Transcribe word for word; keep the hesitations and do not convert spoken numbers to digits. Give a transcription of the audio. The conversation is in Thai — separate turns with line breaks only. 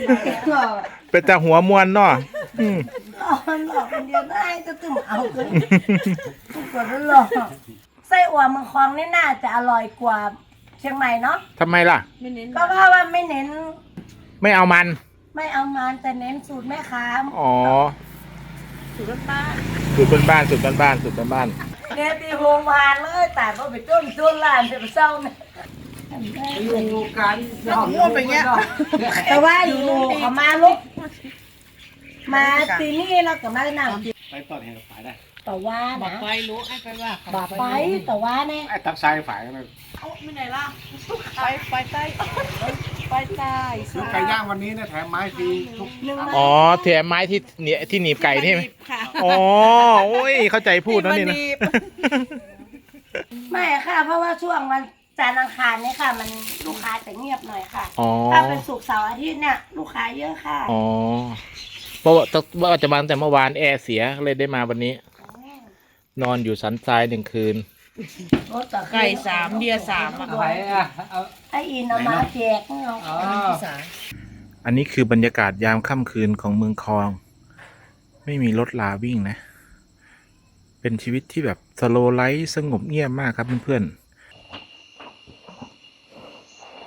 หลอก
เป็นแต่หัวมวนเนาะอืม
หลอกหลอกคนเดียวได้จะตึมเอาเลยทุกคนหลอกไส้อั่วเมืองคลองนี่น่าจะอร่อยกว่าเชียงใหม่เนาะ
ทำไมล่ะ
ก็เพราะว่าไม่เน้น
ไม่เอามัน
ไม่เอามันแต่เน้นสูตรแม่ค้า
อ๋อ
สูตรบ้าน
สูตรบ้านๆสูตรบ้านๆสูตรบ้าน
เนี่ยตีโฮงวานเลยแต่ก็ไปต้มต้นลานจะไปเศร้าเนี่ย
อยู่กัน
พูดไปเงี้ยแต่ว่าอยู่เขามาลุกมาตีนี่แล้วก็มาหนัง
ไปต่อแถวฝ่ายได้
แต่ว่านะ
ไปรู้ไอ้ไปว่า
บาไปแต่ว่าเนี่ย
ไอ้ทักซ้ายฝ่ายนั่น
ไม่ไหนล่ะไปไปใต้ไปใต้
ซื้อไก่ย่างวันนี้เนี่ยแถมไม้ฟรีทุก
หนึ่ง
ๆอ๋อแถมไม้ที่เหนียที่หนีบไก่นี่ไหม
ค่ะ
อ๋อโอ้ยเข้าใจพูดแล้วนี่นะ
ไม่ค่ะ เพราะว่าช่วงวันจันทร์อังคารเนี่ยค่ะ มันลูกค้าจะเงียบหน่อยค่ะ
อ๋อ
ถ้าเป็นศุกร์เสาร์อาทิตย์เนี่ยลูกค้าเยอะค่ะ
อ๋อเพราะว่าว่าจะมาตั้งแต่เมื่อวานแอร์เสียเลยได้มาวันนี้ นอนอยู่สันทรายหนึ่งคืน
ไก่สามเบียร์สามอ่ะ
อะไรอ่ะเอา
ไออินเอามาแจกเนาะ
อ๋อ
อันนี้คือบรรยากาศยามค่ำคืนของเมืองคลอง ไม่มีรถลาวิ่งนะ เป็นชีวิตที่แบบสโลว์ไลฟ์สงบเงียบมากครับเพื่อนๆ